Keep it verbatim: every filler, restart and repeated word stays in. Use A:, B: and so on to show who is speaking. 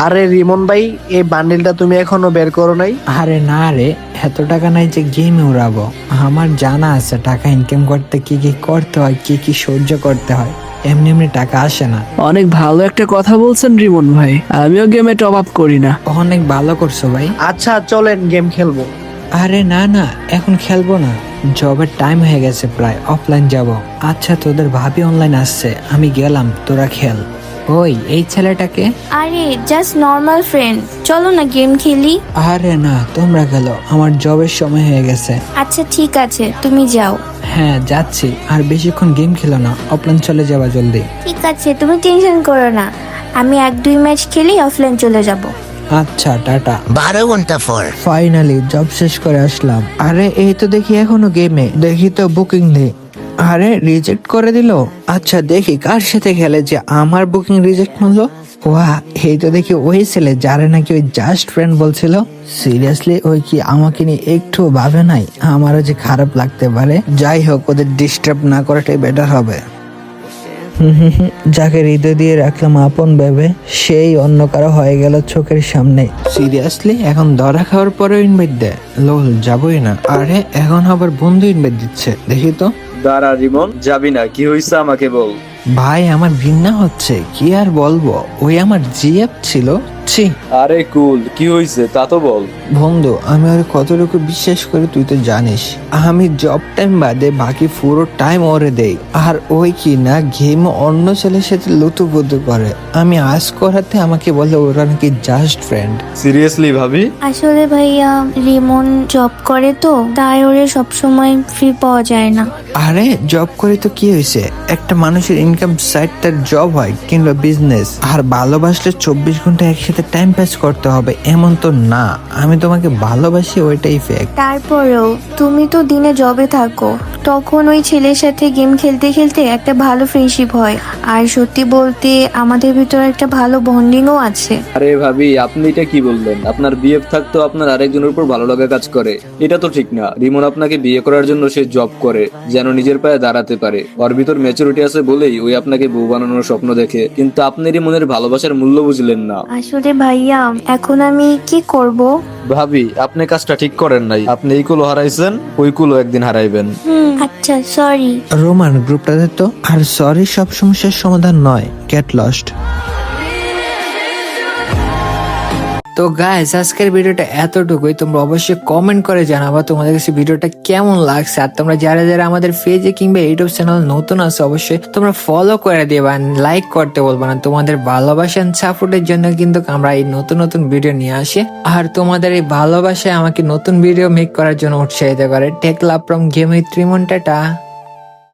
A: আরে রিমন ভাই, এই বান্ডিলটা তুমি এখনো বের করো নাই?
B: আরে না রে, এত টাকা নাই যে গেমে উড়াবো। আমার জানা আছে টাকা ইনকাম করতে কি কি করতে হয়, কি কি সহ্য করতে হয়। এমনি এমনি টাকা আসে না।
C: অনেক ভালো একটা কথা বলছেন রিমন ভাই, আমিও গেমে টপ আপ করি না।
B: অনেক ভালো করছো ভাই।
A: আচ্ছা চলেন গেম খেলবো।
B: আরে না না, এখন খেলবো না, জবের টাইম হয়ে গেছে, প্রায় অফলাইন যাব। আচ্ছা তোদের ভাবি অনলাইন আসছে, আমি গেলাম, তোরা খেল। ওই এই ছেলেটাকে।
D: আরে জাস্ট নর্মাল ফ্রেন্ড, চলো না গেম খেলি।
B: আরে না, তোমরা খেলো, আমার জবের সময় হয়ে গেছে।
D: আচ্ছা ঠিক আছে, তুমি যাও।
B: হ্যাঁ যাচ্ছি, আর বেশিক্ষণ গেম খেলো না, অফলাইন চলে যাবা জলদি।
D: ঠিক আছে, তুমি টেনশন করো না, আমি এক দুই ম্যাচ খেলেই অফলাইন চলে যাব।
B: আচ্ছা টাটা।
E: বারো ঘন্টা পর
B: ফাইনালি জব শেষ করে আসলাম। আরে এই তো দেখি এখনো গেমে, দেখি তো বুকিং নেই। আরে রিজেক্ট করে দিল। আচ্ছা দেখি কার সাথে খেলে যে আমার বুকিং রিজেক্ট মারলো। ওয়া, এই তো দেখি ওই ছেলে যারা নাকি ওই জাস্ট ফ্রেন্ড বলছিল। সিরিয়াসলি ওই কি আমাকে নিয়ে একটু ভাবে নাই? আমারও যে খারাপ লাগতে পারে। যাই হোক, ওদের ডিস্টার্ব না করাটাই বেটার হবে। হুম হুম হুম, যাকে হৃদয় দিয়ে রাখলাম আপন ভেবে, সেই অন্য কারো হয়ে গেল চোখের সামনে। সিরিয়াসলি এখন ধরা খাওয়ার পরে ইনভাইট দেয়? লোল যাবই না। আরে এখন আবার বন্ধু ইনভাইট দিচ্ছে, দেখি তো।
F: দাঁড়া রিমন, যাবি না? কি হয়েছে আমাকে বল।
B: ভাই আমার ঘৃণা হচ্ছে, কি আর বলবো, ওই আমার জিএফ ছিল। ছি।
F: আরে কুল, কি হয়েছে তা তো বল।
B: বন্ধু আমি ওর কতটুকু বিশ্বাস করি তুই তো জানিস। আমি জব টাইম বাদে বাকি পুরো টাইম ওরে দেই, আর ওই কি না গেম অন্য ছেলের সাথে লুতুপুতু করে। আমি আজ করাতে আমাকে বলে ওরা নাকি জাস্ট ফ্রেন্ড।
F: সিরিয়াসলি ভাবি?
D: আসলে ভাইয়া রিমন জব করে তো, তাই ওরে সবসময় ফ্রি পাওয়া যায় না।
B: আরে জব করে তো কি হয়েছে, একটা মানুষের ইনকাম সাইড তার জব হয় কিংবা বিজনেস। আর ভালোবাসলে চব্বিশ ঘন্টা একসাথে টাইম পাস করতে হবে এমন তো না। আমি তোমাকে ভালোবাসি, ওইটাই ফ্যাক্ট।
D: তারপরেও তুমি তো দিনে জবে থাকো, তখন ওই ছেলের সাথে গেম খেলতে খেলতে একটা ভালো ফ্রেন্ডশিপ হয়। আর সত্যি বলতে আমাদের ভিতরে একটা ভালো বন্ডিংও আছে।
F: আরে ভাবি, আপনি এটা কি বললেন? আপনার বিএফ থাকতো আপনার আরেকজনের উপর ভালো লাগা কাজ করে, এটা তো ঠিক না। রিমন আপনাকে বিয়ে করার জন্য সে জব করে যেন নিজের পায়ে দাঁড়াতে পারে। ওর ভিতর ম্যাচুরিটি আছে বলেই ওই আপনাকে বউ বানানোর স্বপ্ন দেখে, কিন্তু আপনি রিমনের ভালোবাসার মূল্য বুঝলেন না।
D: আসলে ভাইয়া এখন আমি কি করব?
F: ভাবি আপনি কাজটা ঠিক করেন নাই। আপনি এই কুলো হারাইছেন, ওই কুলো একদিন হারাইবেন।
D: হুম আচ্ছা সরি।
B: রোমান গ্রুপটাতে তো আর সরি সব সমস্যার সমাধান নয়, গেট লস্ট। তো গাইস আজকের ভিডিওটা এতটুকুই। তোমরা অবশ্যই কমেন্ট করে জানাবা তোমাদের কাছে ভিডিওটা কেমন লাগছে। আর তোমরা যারা যারা আমাদের পেজে কিংবা ইউটিউব চ্যানেল নতুন আছে অবশ্যই তোমরা ফলো করে দিবা, লাইক করতে বলবা না। তোমাদের ভালোবাসা এন্ড সাপোর্টের জন্য কিন্তু আমরা এই নতুন নতুন ভিডিও নিয়ে আসি। আর তোমাদের এই ভালোবাসায় আমাকে নতুন ভিডিও মেক করার জন্য উৎসাহিত করে। Tech love from game with Rimon, tata.